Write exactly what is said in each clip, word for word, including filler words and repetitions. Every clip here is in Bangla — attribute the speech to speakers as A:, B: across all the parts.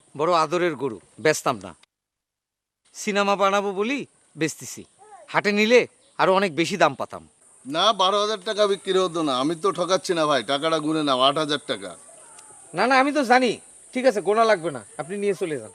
A: বড় আদরের গরু, বেচতাম না। সিনেমা বানাবো বলি বেচতেছি। হাটে নিলে আরো অনেক বেশি দাম পাতাম।
B: না, বারো হাজার টাকা বিক্রি হতো না। আমি তো ঠকাচ্ছি না ভাই, টাকাটা গুনে নাও, আট হাজার টাকা।
A: না না, আমি তো জানি। ঠিক আছে, গোনা লাগবে না, আপনি নিয়ে চলে যান।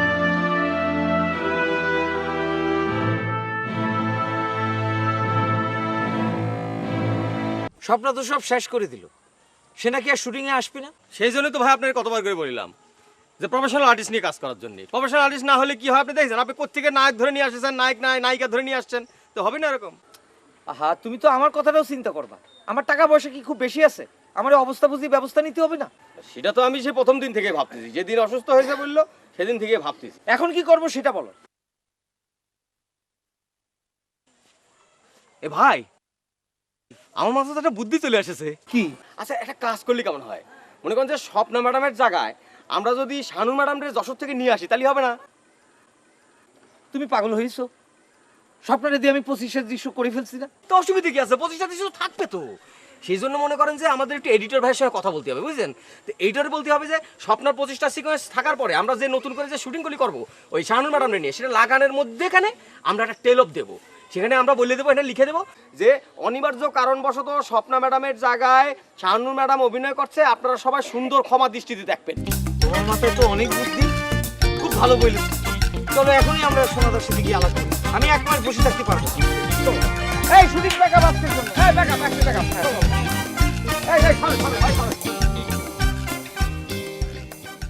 A: স্বপ্ন তো সব শেষ করে দিল। সে নাকি আর শুটিং এ আসবে না।
C: সেই জন্য তো ভাই আপনাকে কতবার করে বললাম যে প্রফেশনাল আর্টিস্ট নিয়ে কাজ করার জন্য। প্রফেশনাল আর্টিস্ট না হলে কি হয় আপনি দেখছেন, আপনি কোত্থেকে নায়ক ধরে নিয়ে আসছেন, নায়ক নাই নায়িকা ধরে নিয়ে আসছেন, তো হবে না এরকম।
A: আহা, তুমি তো আমার কথাটাও চিন্তা করবা। আমার টাকা পয়সা কি খুব বেশি আছে? আমার এই অবস্থা বুঝি ব্যবস্থা নিতে হবে না?
C: সেটা তো আমি সে প্রথম দিন থেকে ভাবতেছি, যেদিন অসুস্থ হয়েছে বললো সেদিন থেকে ভাবতেছি।
A: এখন কি করব সেটা বলো।
C: এ ভাই, আমার মাথায় তো একটা বুদ্ধি চলে এসেছে।
A: কি?
C: আচ্ছা, একটা কাজ করলে কেমন হয়? মনে করেন যে স্বপ্না ম্যাডামের জায়গায় আমরা যদি শানু ম্যাডামের যশোর থেকে নিয়ে আসি, তাহলে হবে না?
A: তুমি পাগল হয়েছো? স্বপ্নটা দিয়ে আমি পঁচিশের দৃশ্য করে ফেলছি না?
C: তো অসুবিধা কি আছে? পঁচিশটা দৃশ্য থাকবে তো। সেই জন্য মনে করেন যে আমাদের একটু এডিটর ভাইয়ের সঙ্গে কথা বলতে হবে, বুঝলেন? তো এডিটর বলতে হবে যে স্বপ্নার পঁচিশটা সিকোয়েন্স থাকার পরে আমরা যে নতুন করে যে শুটিংগুলি করবো ওই শানু ম্যাডামকে নিয়ে, সেটা লাগানোর মধ্যেখানে আমরা একটা টেল অফ দেবো। সেখানে আমরা বলে দেবো, এটা লিখে দেবো যে অনিবার্য কারণবশত স্বপ্না ম্যাডামের জায়গায় শানু ম্যাডাম অভিনয় করছে, আপনারা সবাই সুন্দর ক্ষমা দৃষ্টিতে দেখবেন।
A: তোমার মাথায় তো অনেক বুদ্ধি, খুব ভালো বললে। চলো এখনই আমরা সোনাদার সাথে গিয়ে আলাপ করি। আমি এক মাস বসে থাকতে পারবো না। চলো। এই শুটিং ব্যাকআপ আজকের জন্য। এই ব্যাকআপ, একটা ব্যাকআপ। এই এই চলো চলো, ভাই চলো।